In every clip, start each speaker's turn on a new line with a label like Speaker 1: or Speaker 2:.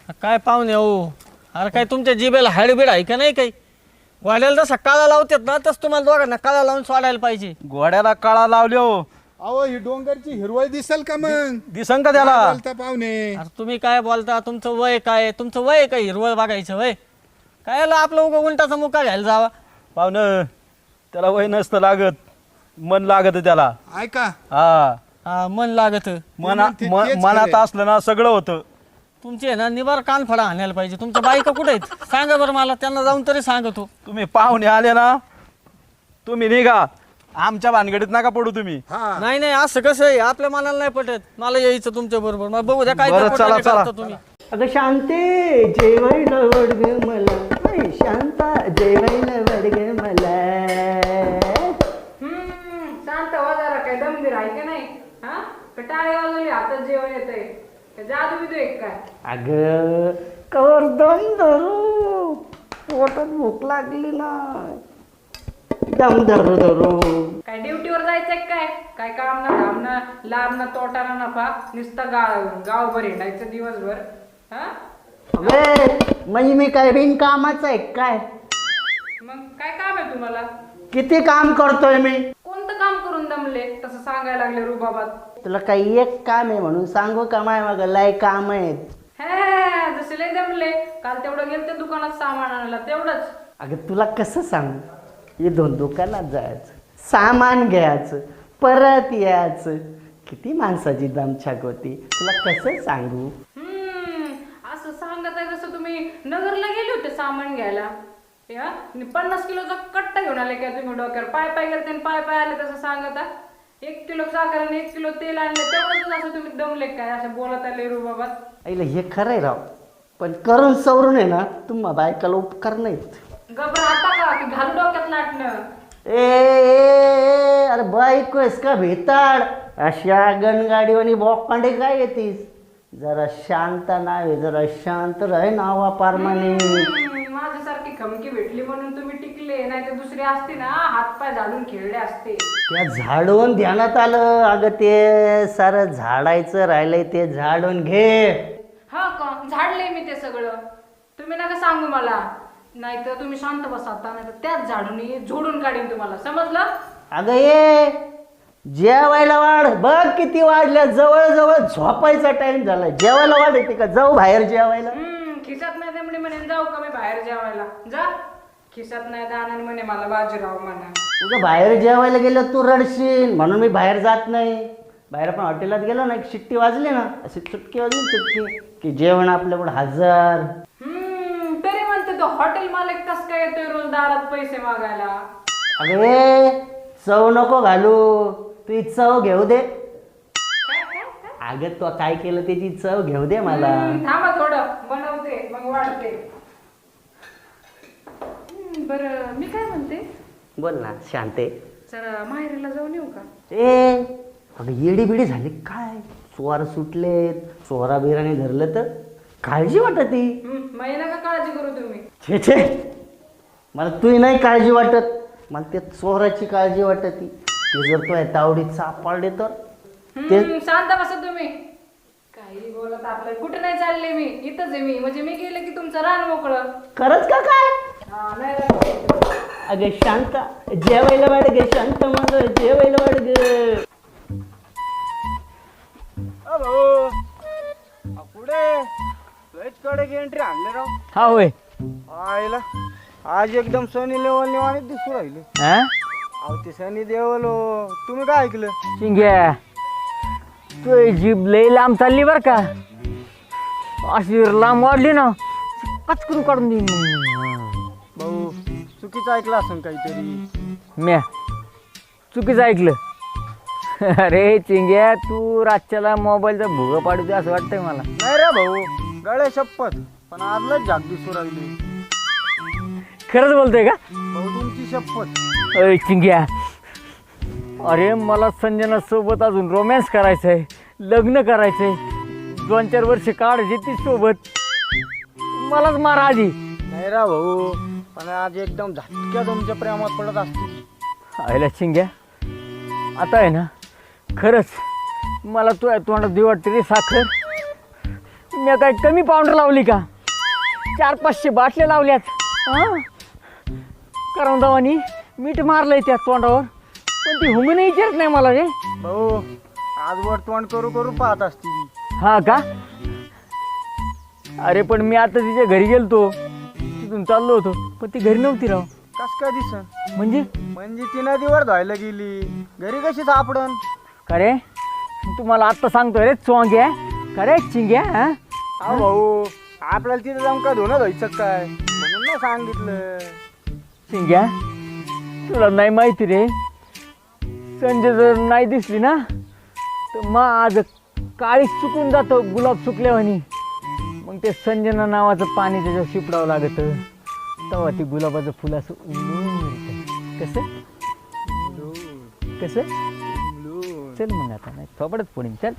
Speaker 1: काय पाहुणे हो, अरे काय तुमच्या जिभेला हाडबीड आहे का नाही? काही वाड्याला जसा काळा लावतात ना तसं तुम्हाला दोघांना काळा लावून सोडायला पाहिजे.
Speaker 2: घोड्याला काळा लावल्यो.
Speaker 3: अहो ही डोंगरची हिरवळ दिसेल का मग?
Speaker 2: दिसन का त्याला?
Speaker 3: काय बोलता पाहुणे?
Speaker 1: अरे तुम्ही काय बोलता? तुमचं वय काय? तुमचं वय काय हिरवळ बघायचं वय? काय आपलं उगा उंटाचा मुका घ्यायला जावा?
Speaker 2: पाहुणं त्याला वय नसतं लागत, मन लागत त्याला.
Speaker 3: ऐका
Speaker 2: हा
Speaker 1: हा, मन लागत.
Speaker 2: मनात असलं ना सगळं होतं.
Speaker 1: तुमची आहे ना निवार कानफडा आणायला पाहिजे. तुमच्या बायका कुठे आहेत सांगा बरं मला, त्यांना जाऊन तरी सांगतो.
Speaker 2: तुम्ही पाहुणे आले ना, तुम्ही निघा, आमच्या भानगडीत नका पडू तुम्ही.
Speaker 3: हा
Speaker 1: नाही नाही, असं कसं आहे? आपल्या मनाला नाही पटत. मला यायचं तुमच्या बरोबर. मला बघू द्या काय
Speaker 2: बरं,
Speaker 1: ते
Speaker 2: चला,
Speaker 1: पटायला
Speaker 2: चला.
Speaker 1: करता तुम्ही.
Speaker 4: अगं शांते जेवायला वडग मला, नाही शांता जेवायला वडग मला.
Speaker 5: शांत हो जरा, काय दमबीर आहे का नाही? हा, टाळे वाजवली हातात जेवण येतंय. जादू बिदू एक काय?
Speaker 4: अगं कवर दम धरू, पोटात भूक लागली ना, दम धरू धरू.
Speaker 5: काय ड्युटीवर जायचंय काय? काय काम ना धाम ना, लांब ना तोटा ना नफा, नुसतं गावभर हिंडायचं दिवसभर. हा,
Speaker 4: अबे म्हणजे मी काय बिन कामाचं आहे काय?
Speaker 5: मग काय काम आहे तुम्हाला?
Speaker 4: किती काम करतोय मी?
Speaker 5: कोणतं काम करून दमले तसं सांगायला लागले रुबाबात?
Speaker 4: तुला काही एक काम आहे म्हणून सांगू का? माय मग लय काम आहेत.
Speaker 5: हे जसे लय दमले, काल तेवढं गेलं ते दुकानात सामान आणायला तेवढंच.
Speaker 4: अगं तुला कसं सांगू? हे दोन दुकानात जायचं, सामान घ्यायचं, परत यायचं, किती माणसाची दमछाक होती. तुला कसं सांगू?
Speaker 5: असं सांगत आहे जसं तुम्ही नगरला गेले होते सामान घ्यायला. 50 किलोचा कट्टा घेऊन आले काय तुम्ही डोक्यावर? पाय पाय गेले आणि पाय पाय आले तसं सांगत. 1 किलो साखर आणि 1 किलो तेल आणले तेवढंच असं तुम्ही दमले काय? असं बोलत आले रुबाबात.
Speaker 4: आईला हे खरंय राव, पण करून सवरून आहे ना तुम्हा बायकाला उपकार नाहीत.
Speaker 5: घबराता का की घालू डोक्यात नाटणं?
Speaker 4: ए अरे बायको आहेस का भेताड? अशा गणगाडीवानी बॉकांडे काय येतीस? जरा शांत नाही, जरा शांत राह नावा पारमाने.
Speaker 5: माझ्यासारखी खमकी भेटली म्हणून तुम्ही टिकले, नाही तर दुसरे असते ना हातपाय झाडून खेळले असते.
Speaker 4: त्या झाडून ध्यानात आलं. अगं ते सारं झाडायचं राहिलंय, ते झाडून घे.
Speaker 5: हा का? झाडले मी ते सगळं. तुम्ही नका सांगू मला, नाही तर तुम्ही शांत बसाता, नाही तर त्याच झाडून झोडून काढीन तुम्हाला, समजलं?
Speaker 4: अगं ये जेवायला वाढ. बघ किती वाढल्या, जवळ जवळ झोपायचा टाइम झाला. जेवायला वाढ येते का? जाऊ बाहेर जेवायला.
Speaker 5: खिशात नाही दमडी म्हणे जाऊ का मी बाहेर जेवायला? जा. खिशात नाही दाना म्हणे मला बाजीराव म्हणा.
Speaker 4: तुझं बाहेर जेवायला गेलं तू रडशील म्हणून मी बाहेर जात नाही. बाहेर आपण हॉटेलात गेलो ना, एक शिट्टी वाजली ना, अशी चुटकी वाजली चुटकी की जेवण आपल्याकडे हजर.
Speaker 5: तरी म्हणते तो हॉटेल मालक कस काय येतोय रोज दारात पैसे मागायला?
Speaker 4: अगं ए चव नको घालू, तू चव घेऊ दे. अगं तू काय केलं त्याची चव घेऊ दे मला.
Speaker 5: थांबा थोडं बनवते मग वाढते. बरं मी काय म्हणते,
Speaker 4: बोल ना शांते.
Speaker 5: जरा माहेरला जाऊन येऊ का?
Speaker 4: ए अगं येडी बिडी झाली काय? चोर सुटलेत, चोरा बिराने धरलं तर काळजी वाटत ती.
Speaker 5: महिना का काळजी करू तुम्ही?
Speaker 4: छे छे, मला तुही नाही काळजी वाटत, मला त्या चोराची काळजी वाटत ती. ते जर तो तावडीत सापडले तर ते.
Speaker 5: शांत बसा तुम्ही. काही बोलत आपलं. कुठे नाही चालले मी, इथंच आहे मी. म्हणजे मी गेले की तुमचं रान मोकळं.
Speaker 4: खरंच का काय?
Speaker 5: हा नाही रे.
Speaker 4: अगं शांत जेवायला वाढ गे, शांत मग जेवायला वाढ ग.
Speaker 2: पुढे एंट्री आणले राव.
Speaker 1: हा होय.
Speaker 2: आईला आज एकदम सनी लेवल निवाने दिसू राहिले. अहो ते सनी देवल हो. तुम्ही काय ऐकलं?
Speaker 1: शिंग्या तू जीभ लई लांब चालली बर का? अशी लांब वाढली ना कचकरू काढून देईन.
Speaker 2: भाऊ चुकीचं ऐकलं असं काहीतरी.
Speaker 1: म्या चुकीचं ऐकलं? अरे चिंग्या तू रातच्याला मोबाईलचा भुगा पाडू असं वाटतंय मला.
Speaker 2: नाही रे भाऊ, गळे शपथ, पण आजलाच झाक दिसू राहिली.
Speaker 1: खरंच बोलतोय का?
Speaker 2: भाऊ तुमची शपथ.
Speaker 1: अरे चिंग्या, अरे मला संजना सोबत अजून रोमॅन्स करायचंय, लग्न करायचंय, 2-4 वर्ष काढायची ती सोबत. मलाच मारा आधी.
Speaker 2: नाही रा भाऊ, पण आज एकदम झटक्या तुमच्या प्रेमात पडत असतील.
Speaker 1: आयला चिंग्या, आता आहे ना खरंच मला तू तोंडात देऊ वाटते रे साखर. मी काय कमी पावडर लावली का? 400-500 बाटल्या लावल्यात. हां करंदावानी मीठ मारलंय त्या तोंडावर, पण ती हुंगणे विचारत नाही मला रे.
Speaker 2: भाऊ आजवर तोंड करू करू पाहत असते ती.
Speaker 1: हा का? अरे पण मी आता तिच्या घरी गेलतो, तिथून चाललो होतो, पण ती घरी नव्हती राव.
Speaker 2: कस काय दिसन?
Speaker 1: म्हणजे
Speaker 2: म्हणजे ती नदीवर धुवायला गेली, घरी कशी सापडन?
Speaker 1: का रे तुम्हाला आत्ता सांगतोय रे चोंग्या, का रे चिंग्या? हा
Speaker 2: हा भाऊ आपल्याला तिथे जाऊन का धुणं धुवायचं काय, म्हणून ना सांगितलं.
Speaker 1: चिंग्या तुला नाही माहिती रे, संजय जर नाही दिसली ना तर मग आज काळीच चुकून जातो गुलाब सुकल्यावानी. मग ते संजना नावाचं पाणी त्याच्यावर शिपडावं लागतं, तेव्हा ती गुलाबाचं फुल असं उमलून येतं. कसं कसं? चल मग आता नाही थोपडच पुढे चल.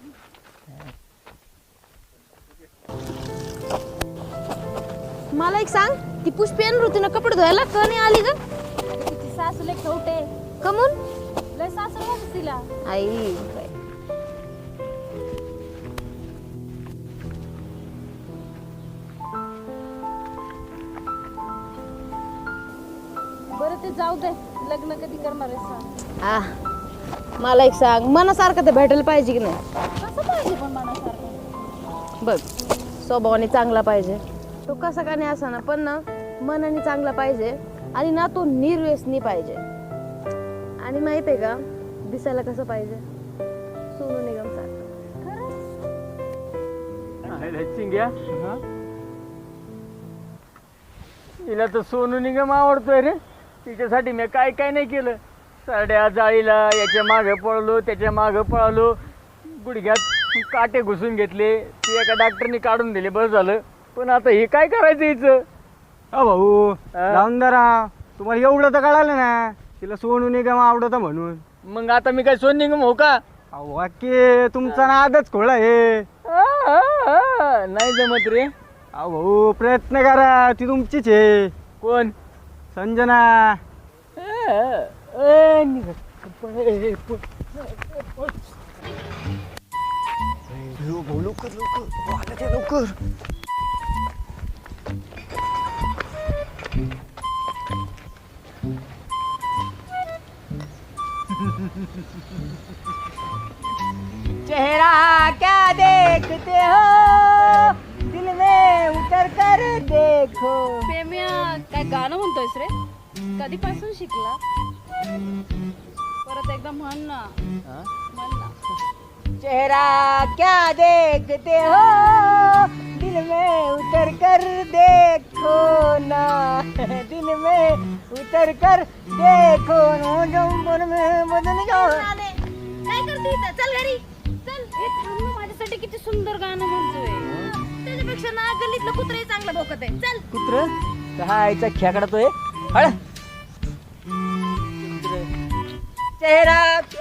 Speaker 6: मला एक सांग, ती पुष्पी येणार होती ना कपडे धुवायला, का नाही आली ग? तिची सासू लय खवटे. कमून? लय सासू वाटत तिला. आई काय. बरं ते जाऊ दे, लग्न कधी करणार आहे सांग. मला एक सांग, मनासारखं तर भेटायला पाहिजे की नाही? कसं पाहिजे पण मनासारखं? बघ स्वभावाने चांगला पाहिजे, तो कसा का नाही असा ना, पण ना मनाने चांगला पाहिजे, आणि ना तो निर्व्यसनी पाहिजे. आणि माहित आहे का दिसायला कसं पाहिजे? सोनू निगम सारखं.
Speaker 1: चिंग्या तिला तर सोनू निगम आवडतोय रे. तिच्यासाठी मी काय काय नाही केलं. साड्या जाळीला याच्या मागं पळलो, त्याच्या मागं पळालो, गुडघ्यात काटे घुसून घेतले, ते एका डॉक्टरनी काढून दिले, बस झालं. पण आता हे काय करायचं हिचं?
Speaker 2: अ भाऊ जाऊन जरा, तुम्हाला एवढं तर कळालं ना तिला सोनू निगम आवडतं म्हणून.
Speaker 1: मग आता मी काय सोनू निगम हो का?
Speaker 2: अहो वाक्य तुमचा नादच खोळा आहे.
Speaker 1: नाही जमत रे.
Speaker 2: अहो भाऊ प्रयत्न करा, ती तुमचीच आहे.
Speaker 1: कोण?
Speaker 2: संजना. लवकर लवकर लवकर.
Speaker 1: चेहरा क्या देखते हो, दिल में उतर कर देखो.
Speaker 6: प्रेम्या काय गाणं म्हणतोयस रे? कधीपासून शिकला? परत एकदा म्हण ना. म्हण ना.
Speaker 1: चेहरा क्या देखते हो, दिल में उतर कर देखो ना, दिल में उतर कर देखो ना, बदन जाओ.
Speaker 6: काय करते इथं? चल घरी चल. हे थांब ना, माझ्यासाठी किती सुंदर गाणं म्हणतोय. त्याच्यापेक्षा ना गल्लीतलं कुत्रही चांगलं भोकत आहे. चल.
Speaker 1: कुत्र कायचा खेकडा तो हळ. चेहरा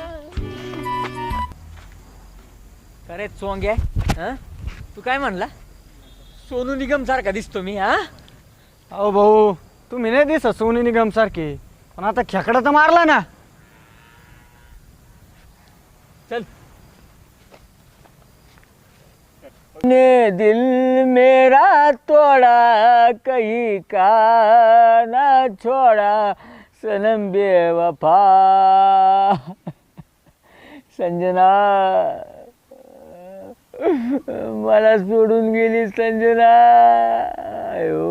Speaker 1: अरे चोंग्या, तू काय म्हणला? सोनू निगम सारखा दिसतो मी? हा
Speaker 2: अहो भाऊ तुम्ही नाही दिसत सोनू निगम सारखे, पण आता खेकडा तर मारला ना.
Speaker 1: चल. ने दिल मेरा तोड़ा, कहीं का ना छोड़ा, सनम बेवफा. संजना मला सोडून गेली संजना. आयो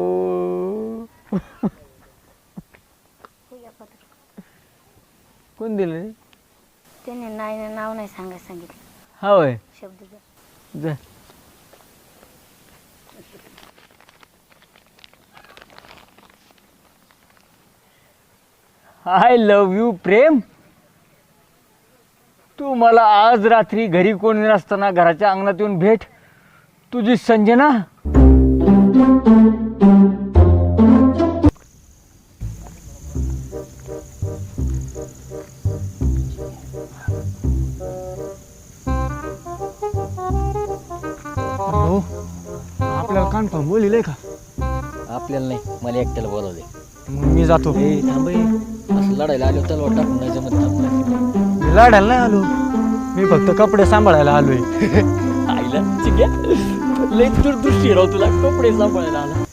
Speaker 1: कोण दिलं रे?
Speaker 6: त्याने नाही नाव नाही सांगितलं.
Speaker 1: हा होय.
Speaker 6: शब्द
Speaker 1: जा. आय लव्ह यू प्रेम. तू मला आज रात्री घरी कोणी नसताना घराच्या अंगणात येऊन भेट. तुझी संजना.
Speaker 2: आपल्याला कन्फर्म बोलिले का?
Speaker 1: आपल्याला नाही, मला एकट्याला बोलावले.
Speaker 2: मग मी जातो.
Speaker 1: थांब असं लढायला आलो तर टाकून नाही जमत.
Speaker 2: मी लढायला नाही आलो, मी फक्त कपडे सांभाळायला आलोय.
Speaker 1: आईला चिक्या लय दूरदृष्टी राव तुला कपडे सांभाळायला आला.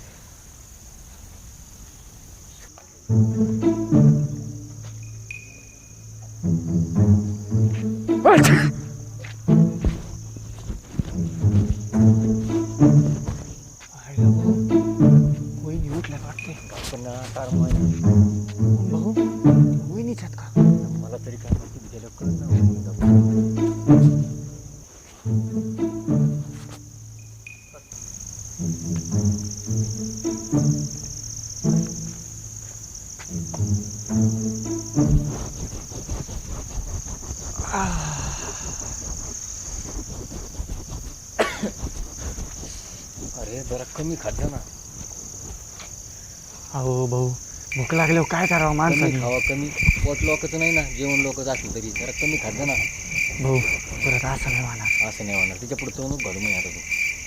Speaker 1: मला तरी काय माहिती गेलं कळलं. अरे जरा कमी खात जा ना.
Speaker 2: अहो भाऊ भूक लागल्यावर काय करावं
Speaker 1: कमी
Speaker 2: माणसाने?
Speaker 1: खावा, कमी पोट लोकच नाही ना, जेवण लोकच असलं तरी जरा कमी खात जा ना.
Speaker 2: भाऊ परत असं नाही म्हणा.
Speaker 1: असं नाही होणार, तिच्या पुढे तो घडू मी आता तू.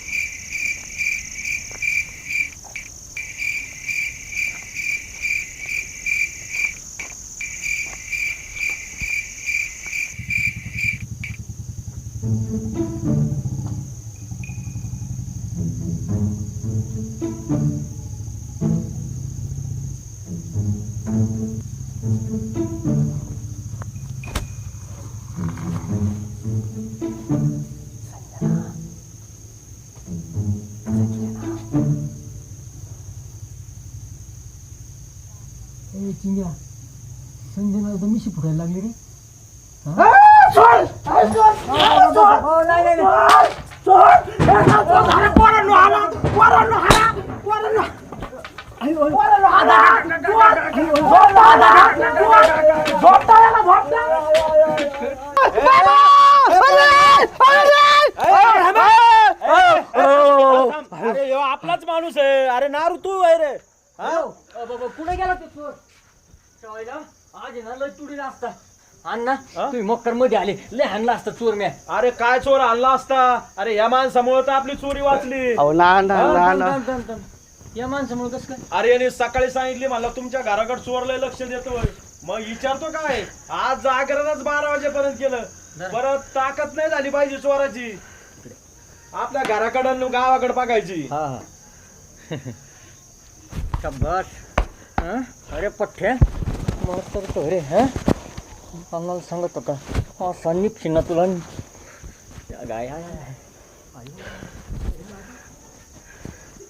Speaker 1: संजना तर मिशी फुटायला लागली रे.
Speaker 2: अरे आपलाच माणूस आहे. अरे नारू तू आहे रे.
Speaker 1: कुठे गेला तू चोर? आज आहे ना लय तुडीला असता अण्णा, तुम्ही मक्कर मध्ये आले, लय हाणला असता चोर म्या.
Speaker 2: अरे काय चोर आणला असता? अरे या माणसामुळे तर आपली चोरी वाचली.
Speaker 1: या माणसामुळे कसं काय?
Speaker 2: अरे याने सकाळी सांगितली मला तुमच्या घराकडे चोरलंय, लक्ष देतोय. मग विचारतो काय, आज जागरणच 12 वाजेपर्यंत केलं. परत ताकद नाही झाली पाहिजे चोराची. आपल्या घराकडे गावाकडे बघायची.
Speaker 1: हा शाबास. अरे पठ्ठ्या मस्त करतो रे. आम्हाला सांगतो का असा निपशील ना तुला. गाय